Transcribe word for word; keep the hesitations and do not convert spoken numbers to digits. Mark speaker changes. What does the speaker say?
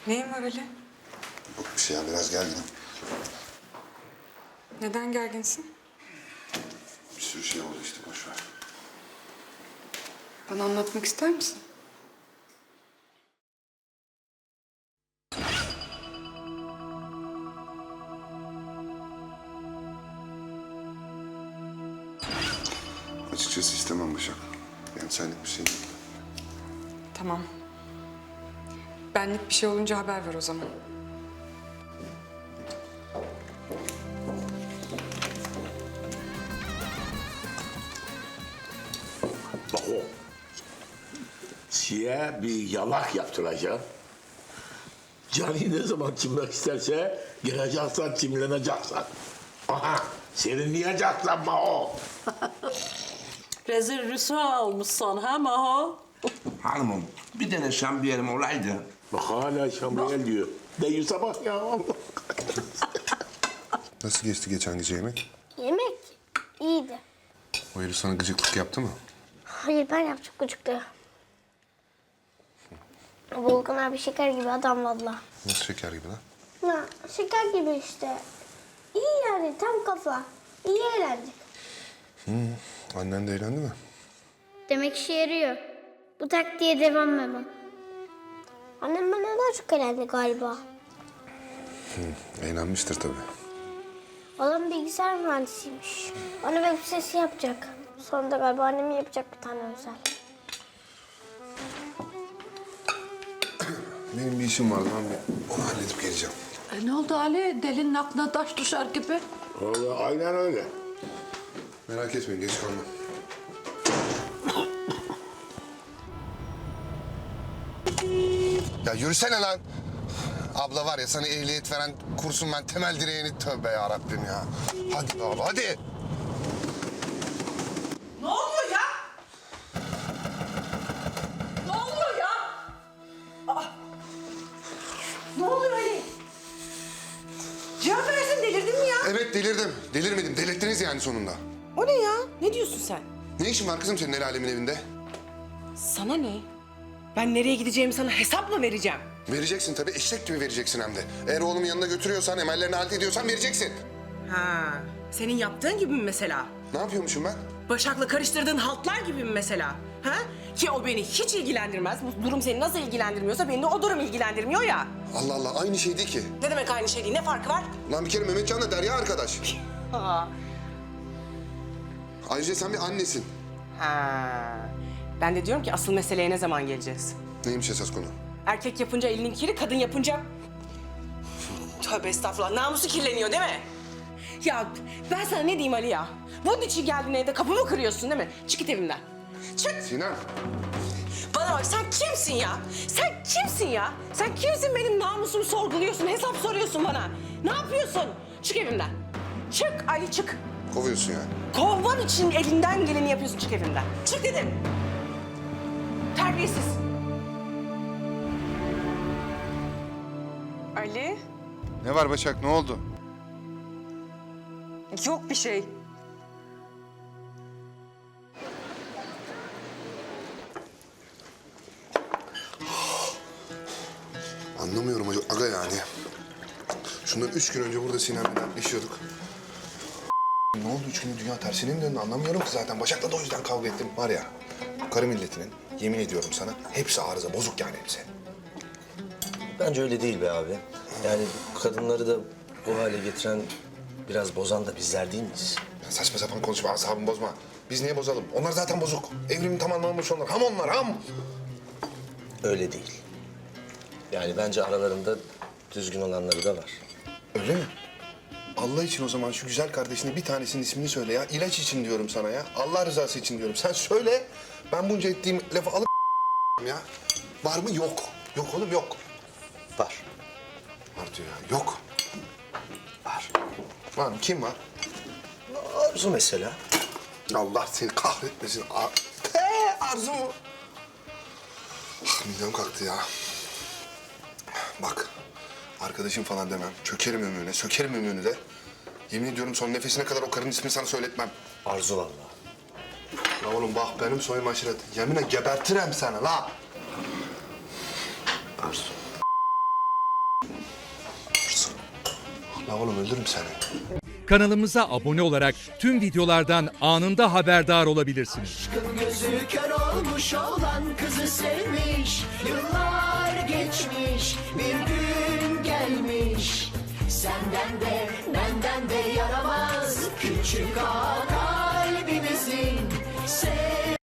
Speaker 1: Neyin var Ali?
Speaker 2: Yok bir şey ya, biraz gerginim.
Speaker 1: Neden gerginsin?
Speaker 2: Bir sürü şey oldu işte, boş ver.
Speaker 1: Bana anlatmak ister misin?
Speaker 2: Açıkçası istemem Başak. Yani senlik bir şey değil.
Speaker 1: Tamam. Benlik bir şey olunca haber ver o zaman.
Speaker 3: Bak o. Siye bir yalak yaptıracağım. Cani ne zaman çimmek isterse gireceksen, çimleneceksen. Aha, serinleyeceksen ma o.
Speaker 4: Rezil rüsva olmuşsun ha Maho?
Speaker 5: Hanımım, bir tane şambiyerim olaydı.
Speaker 3: Bak hala şambiyel diyor. Değilse bak ya.
Speaker 2: Nasıl geçti geçen gece yemek?
Speaker 6: Yemek iyiydi.
Speaker 2: O herif sana gıcıklık yaptı mı?
Speaker 6: Hayır ben yaptım gıcıklığı. Volkan abi şeker gibi adam valla.
Speaker 2: Nasıl şeker gibi lan?
Speaker 6: Ya şeker gibi işte. İyi yani tam kafa. İyi eğlendik.
Speaker 2: Annen de eğlendi mi?
Speaker 6: Demek işe yarıyor. Bu taktiğe devam babam. Annem bana daha çok eğlendi galiba.
Speaker 2: Eğlenmiştir tabii.
Speaker 6: Adam bilgisayar mühendisiymiş. Bana web sitesi yapacak. Sonra da galiba annem yapacak bir tane özel.
Speaker 2: Benim bir işim vardı, ben bir onu halledip geleceğim.
Speaker 4: E, ne oldu Ali? Delinin aklına taş düşer gibi.
Speaker 3: Vallahi aynen öyle.
Speaker 2: Merak etmeyin, geç kalmam. Ya yürüsene lan. Abla var ya, sana ehliyet veren kursun ben temel direğini, tövbe yarabbim ya. Hadi be abla, hadi.
Speaker 4: Ne oluyor ya? Ne oluyor ya? Aa! Ne oluyor Ali? Cevap versin, delirdin mi ya?
Speaker 2: Evet, delirdim. Delirmedim, delirttiniz yani sonunda.
Speaker 7: O ne ya? Ne diyorsun sen?
Speaker 2: Ne işin var kızım senin el alemin evinde?
Speaker 7: Sana ne? Ben nereye gideceğimi sana hesap mı vereceğim?
Speaker 2: Vereceksin tabii, eşek gibi vereceksin hem de. Eğer oğlumun yanına götürüyorsan, emellerini halt ediyorsan vereceksin.
Speaker 7: Ha, senin yaptığın gibi mi mesela?
Speaker 2: Ne yapıyormuşum ben?
Speaker 7: Başak'la karıştırdığın haltlar gibi mi mesela? Ha? Ki o beni hiç ilgilendirmez. Bu durum seni nasıl ilgilendirmiyorsa beni de o durum ilgilendirmiyor ya.
Speaker 2: Allah Allah, aynı şey değil ki.
Speaker 7: Ne demek aynı şey değil? Ne farkı var?
Speaker 2: Lan bir kere Mehmetcan'la Derya arkadaş.
Speaker 7: Ha.
Speaker 2: Ayrıca sen bir annesin.
Speaker 7: Ha. Ben de diyorum ki asıl meseleye ne zaman geleceğiz?
Speaker 2: Neymiş esas konu?
Speaker 7: Erkek yapınca elinin kiri, kadın yapınca... Tövbe estağfurullah, namusu kirleniyor değil mi? Ya ben sana ne diyeyim Ali ya? Bunun için geldin evde kapımı kırıyorsun değil mi? Çık git evimden. Çık!
Speaker 2: Sinem.
Speaker 7: Bana bak, sen kimsin ya? Sen kimsin ya? Sen kimsin, benim namusumu sorguluyorsun, hesap soruyorsun bana? Ne yapıyorsun? Çık evimden. Çık Ali, çık.
Speaker 2: Kovuyorsun yani.
Speaker 7: Kovman için elinden geleni yapıyorsun, çık evimden. Çık dedim. Terbiyesiz.
Speaker 1: Ali?
Speaker 2: Ne var Başak, ne oldu?
Speaker 1: Yok bir şey.
Speaker 2: Anlamıyorum aga yani. Şundan üç gün önce burada Sinem'le dertleşiyorduk. Ne oldu üç günde dünya tersine mi döndü anlamıyorum ki zaten. Başak'la da o yüzden kavga ettim. Var ya, karı milletinin, yemin ediyorum sana, hepsi arıza, bozuk yani hepsi.
Speaker 8: Bence öyle değil be abi. Yani kadınları da bu hale getiren, biraz bozan da bizler değil miyiz?
Speaker 2: Ya saçma sapan konuşma, asabımı bozma. Biz niye bozalım? Onlar zaten bozuk. Evrimin tam anlamamış onlar. Ham onlar, ham.
Speaker 8: Öyle değil. Yani bence aralarında düzgün olanları da var.
Speaker 2: Öyle mi? Allah için o zaman şu güzel kardeşine bir tanesinin ismini söyle ya. İlaç için diyorum sana ya. Allah rızası için diyorum. Sen söyle. Ben bunca ettiğim lafı alıp ya. Var mı? Yok. Yok oğlum, yok.
Speaker 8: Var.
Speaker 2: Var diyor ya. Yok. Var. Var mı? Kim var?
Speaker 8: Arzu mesela.
Speaker 2: Allah seni kahretmesin. Ar Te, Arzu mu? Ah, midem kalktı ya. Bak, arkadaşım falan demem. Çökerim ömrüne, sökerim ömrünü de. Yemin ediyorum son nefesine kadar o karının ismini sana söyletmem.
Speaker 8: Arzu vallahi.
Speaker 2: La oğlum bak, benim soyum aşiret. Yeminle gebertirim seni la.
Speaker 8: Arzu.
Speaker 2: La oğlum öldürürüm seni.
Speaker 9: Kanalımıza abone olarak tüm videolardan anında haberdar olabilirsiniz.
Speaker 10: Gözü kör olmuş olan kızı sevmiş. Yıllar geçmiş, bir gün gelmiş. Senden de benden de yaramaz küçük ağa kalbimizin. Sev